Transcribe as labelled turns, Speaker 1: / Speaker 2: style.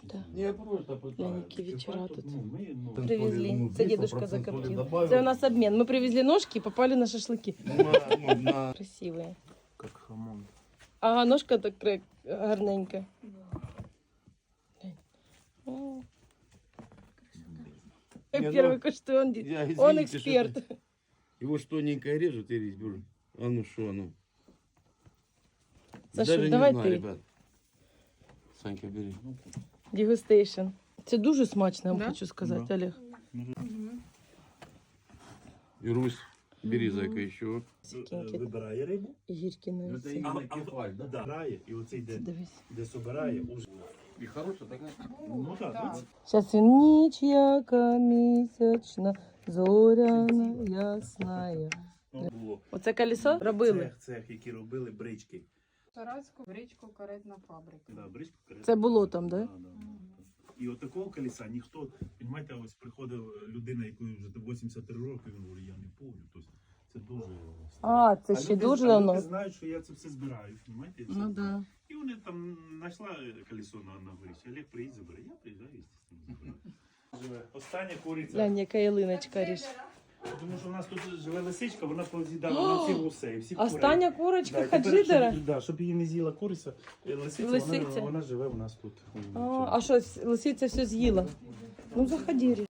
Speaker 1: Да.
Speaker 2: Я просто пытаюсь.
Speaker 1: Леники вечера тут.
Speaker 2: Мы,
Speaker 1: Привезли. Це дедушка закоптил. Це у нас обмен. Мы привезли ножки и попали на шашлыки. Красивые.
Speaker 2: как хамон.
Speaker 1: Ага, ножка так гарненька. О.
Speaker 2: Не,
Speaker 1: Первый
Speaker 2: ну,
Speaker 1: куштуй, он
Speaker 2: извините,
Speaker 1: эксперт.
Speaker 2: Его ж тоненько режут и резьбу. А ну что, ну.
Speaker 1: Саша,
Speaker 2: Даже
Speaker 1: давай
Speaker 2: не знаю,
Speaker 1: ти.
Speaker 2: ребят. Санька, бери.
Speaker 1: Дегустейшн. Це дуже смачно, я вам
Speaker 3: Да?
Speaker 1: хочу сказати,
Speaker 2: Да.
Speaker 1: Олег.
Speaker 2: И Русь, бери, зайка, еще.
Speaker 1: Сікенькі.
Speaker 4: Вибирає рибу,
Speaker 1: Гірки на
Speaker 2: Это
Speaker 1: оці.
Speaker 2: именно кефаль, да?
Speaker 4: да, грає, і оцей
Speaker 1: Дивись.
Speaker 4: де собирає, уже.
Speaker 2: И хорошая такая.
Speaker 4: Ну так,
Speaker 1: Зараз він ніч яка місячна, зоряна, ясна.
Speaker 4: було.
Speaker 1: Оце колесо робили.
Speaker 4: Цех, які робили брички.
Speaker 3: Тарацьку бричку каретна фабрика.
Speaker 4: Да, бричку, карету.
Speaker 1: Це було там, да?
Speaker 4: Да. І от такого колеса ніхто, розумієте, ось приходив людина, якої вже 83 роки, він говорить, я не помню. Тобто це дуже...
Speaker 1: А, це ще
Speaker 4: люди,
Speaker 1: дуже
Speaker 4: а
Speaker 1: давно.
Speaker 4: люди знають, що я це все збираю, розумієте?
Speaker 1: Ну да.
Speaker 4: І вони там знайшла колесо на горищі. Олег приїзд забере, я приїжджаю, звісно, забираю. Остання куриця.
Speaker 1: Глянь, яка ялиночка ріж.
Speaker 4: Тому що у нас тут живе лисичка, вона поз'їдала на всі гусей, всіх курей.
Speaker 1: Остання курочка
Speaker 4: Да, тепер,
Speaker 1: хаджидера.
Speaker 4: щоб її не з'їла куриця, лисиця,
Speaker 1: Лисиця.
Speaker 4: вона живе у нас тут.
Speaker 1: А що, лисиця все з'їла? Ну, заходи, Рі.